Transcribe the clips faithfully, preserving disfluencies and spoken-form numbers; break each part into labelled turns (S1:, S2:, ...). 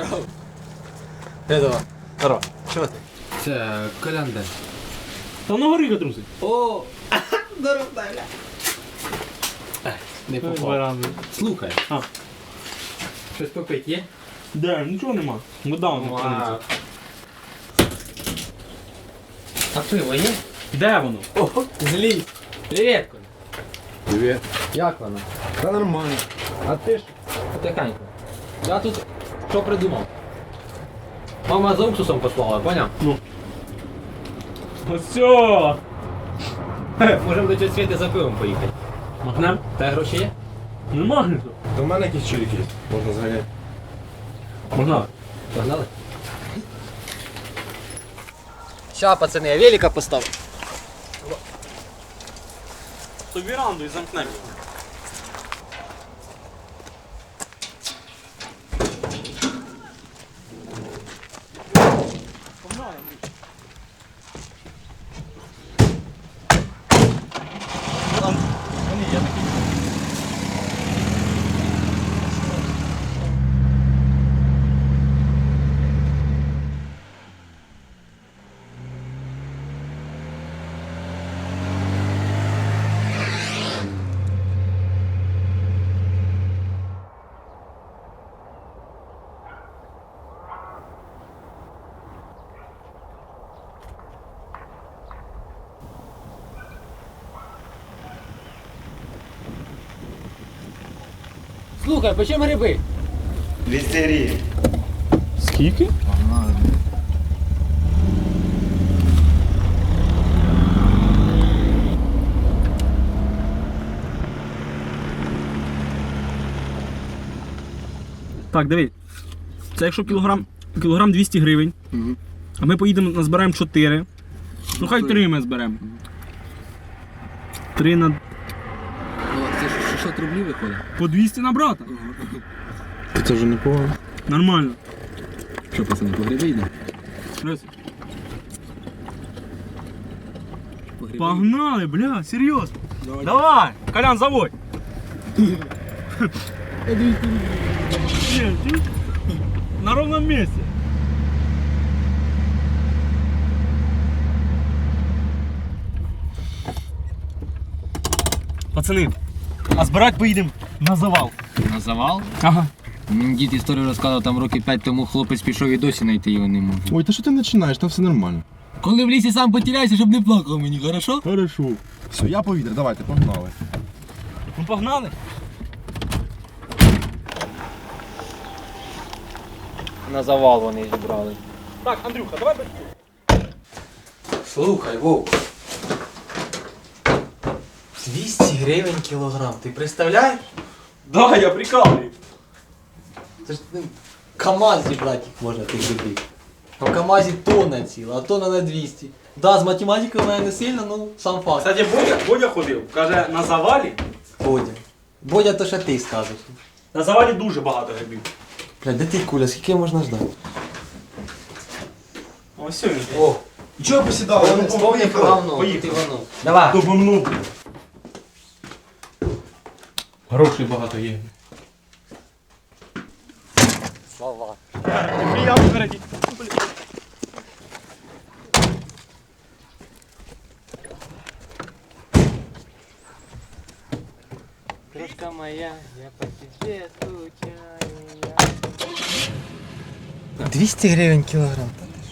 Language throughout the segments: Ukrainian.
S1: Здорово. Здорово. Здорово. Що ти?
S2: Це Колян.
S3: Та на горі трусить.
S1: О, здорово, бля. Не попав.
S2: Слухай,
S3: А,
S2: щось попить є?
S3: де, нічого нема. Вода вона храниться.
S2: А пиво є?
S3: Де воно?
S1: О, злій.
S2: Привіт, Коля.
S1: Привіт.
S2: Як вона?
S1: Та нормально.
S2: А ти ж потихеньку. Я тут що придумав? Мама за уксусом послала, поняв?
S3: Ну. Ось все.
S2: Можемо до цього світи за пивом поїхати.
S3: Махнем?
S2: Та гроші є?
S3: Нема ніхто.
S4: До мене якісь чоловіки є, можна зганяти.
S3: Можна.
S2: Погнали?
S1: Ща, пацани, я велика поставив.
S3: То віранду і замкнемо.
S2: Слухай, по чому гриби?
S4: Лістерії.
S3: Скільки? Так, диви. Це якщо кілограм, кілограм двісті гривень, а ми поїдемо, назбираємо чотири. Ну хай три ми зберемо. три на...
S2: Це шістсот рублів виходить.
S3: По двісті на брата.
S4: Це вже непогано.
S3: Нормально.
S2: Що, пацани, по гриби йдемо?
S3: Раз. Погнали, бля, серйозно. Давай, Давай Колян, заводь. Нет, чуешь? На ровном месте. Пацани, а збирати поїдемо на завал.
S2: На завал?
S3: Ага.
S2: Мені дід історію розказав, там років п'ять тому хлопець пішов і досі знайти його не може.
S4: Ой, та що ти починаєш, там все нормально.
S2: Коли в лісі сам потеряйся, щоб не плакав мені, хорошо?
S3: Хорошо.
S4: Все, я повітря, давайте, погнали.
S3: Ну погнали.
S2: На завал вони зібрали.
S3: Так, Андрюха, давай бери.
S1: Слухай, Вов. двісті гривень кілограм, ти представляєш?
S3: Да, я прикалываю.
S1: Це ж ну, КамАЗ зібрати їх можна тих грибів. А в КамАЗі тонна ціла, а тонна на двісті. Да, з математикою в мене не сильно, ну сам факт.
S3: Кстати, Бодя, Бодя ходив, каже, на завалі,
S1: Бодя. Бодя, то що ти скажеш?
S3: на завалі дуже багато грибів.
S1: Бля, де ти куля, скільки можна ждати?
S3: Ось він.
S1: О,
S4: І чого посідали?
S1: повні говно,
S3: поїхали.
S1: ти воно. Давай.
S3: Добомну. Грошей багато є.
S1: Слава.
S3: Я впереді.
S2: Крошка моя, я по тебе скучаю.
S1: двісті гривень кілограм.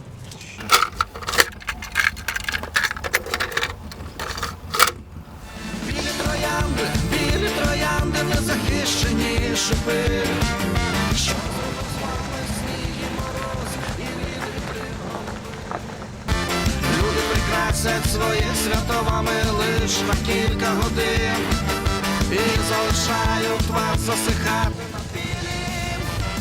S5: Білі троянди, білі троянди, незахищені шипи. Що зробив з вами сніг і мороз, і вітри громи. Люди прикрасять своє свято вами лиш на кілька годин. І залишають вас засихати на білі.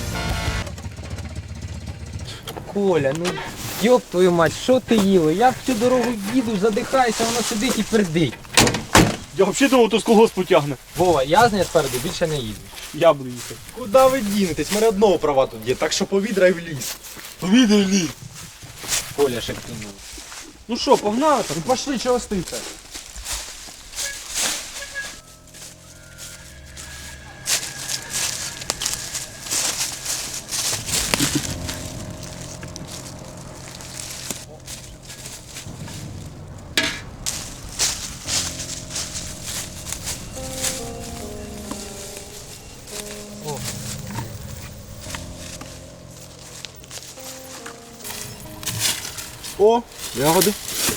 S2: Коля, ну йоп твою мать, що ти їла? Я всю дорогу їду, задихаюся, воно сидить і пердить.
S3: Я взагалі думав, то з колгоспу тягне.
S2: Вова, я з нею спереду більше не їду.
S3: Я буду їхати.
S4: Куди ви дінетесь? У мене одного права тут є, так що повітря в ліс.
S3: Повідай лі.
S2: Коля шепнув.
S3: Ну що, погнали там?
S4: Ну пошли, чого стоїте? О, ягоди.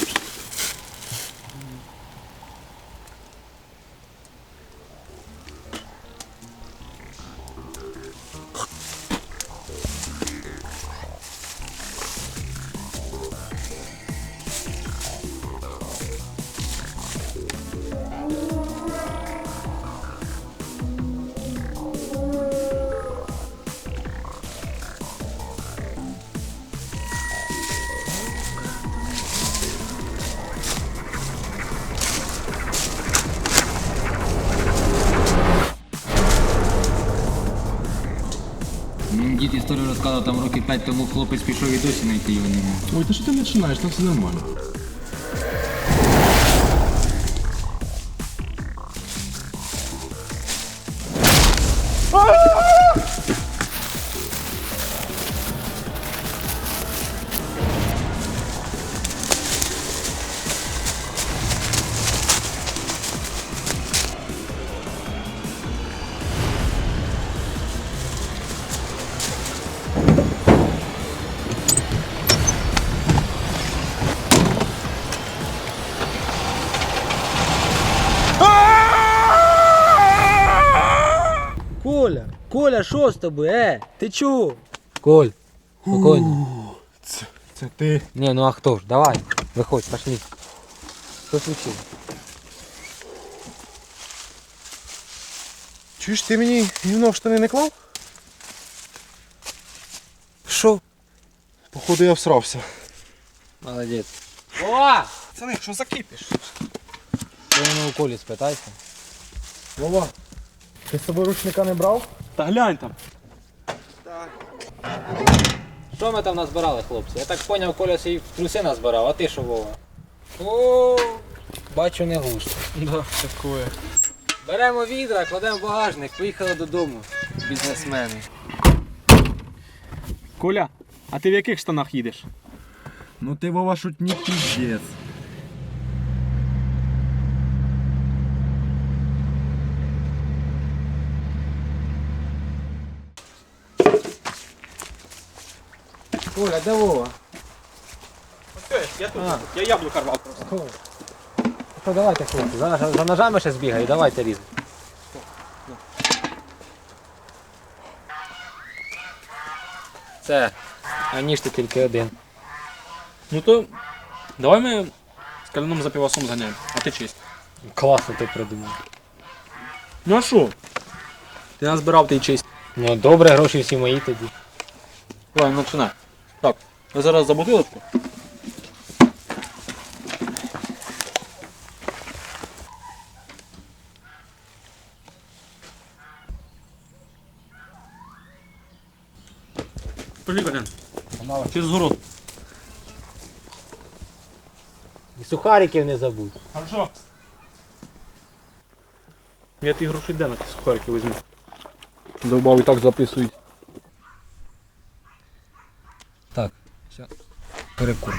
S2: Мені дід історію розказував, там років п'ять тому хлопець пішов і досі знайти його не може.
S4: Ой, та що ти починаєш? Там все нормально.
S1: Коля, Коля, що з тобою? Е, ти чого? Коль, спокійно.
S4: Це, це ти.
S1: Не, ну а хто ж? Давай, виходь, пошли. Що случилось?
S4: Чуєш, ти мені гівно в штани не клав?
S1: Що?
S4: Походу я всрався.
S1: Молодець. О!
S4: Пацани, що закипиш?
S1: Ти мене у Колі спитайся.
S4: Вова, ти з собою ручника не брав?
S3: Та глянь там.
S2: Що ми там назбирали, хлопці? Я так зрозумів, Коля свій труси назбирав, а ти що, Вова? О, бачу, не густо.
S3: Да, такое.
S2: Беремо відра, кладемо в багажник, поїхали додому. Бізнесмени.
S3: Коля, а ти в яких штанах їдеш?
S4: Ну ти, Вова, шутник піздець.
S2: Коля, де Вова?
S3: Я тут, я яблука рвав просто.
S2: Що, давайте, хлопці, за, за ножами ще збігаю, давайте різати. Це, а ніж ти тільки один.
S3: Ну то давай ми з каляном за півасом зганяємо, а ти чисть.
S2: Класно ти придумав.
S3: Ну а що? Ти нас збирав, ти й чисть.
S2: Ну добре, гроші всі мої тоді.
S3: Давай, починай. Так, ви зараз за бутилочку. Пошли, Колян. Через город.
S2: І сухариків не забудь.
S3: Хорошо. Я ті гроші де на ті сухарики візьму. Довбав і так записують.
S2: Так, все. Перекур.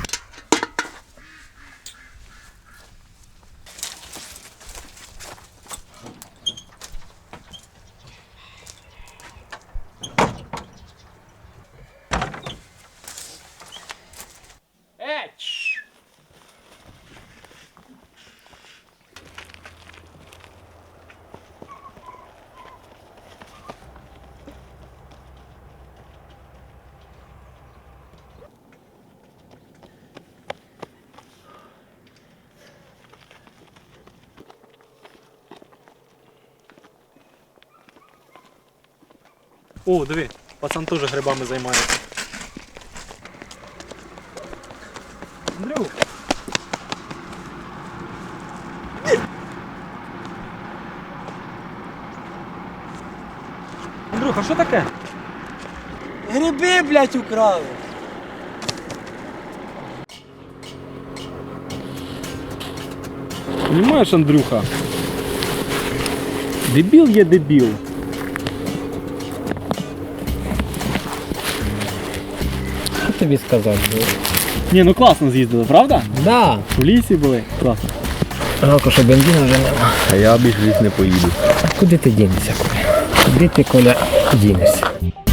S3: О, диви, пацан теж грибами займається. Андрюх! Андрюх, а що таке?
S1: Гриби, блядь, украли.
S3: Понимаєш, Андрюха? Дебіл є дебіл.
S2: Що тобі сказати?
S3: Ні, ну класно з'їздили, правда?
S2: Да.
S3: В лісі були. Класно.
S2: Жалко, що бензину вже нема.
S4: А я більш ліс не поїду.
S2: Куди ти дінешся, Коля? Куди ти, Коля, дінешся?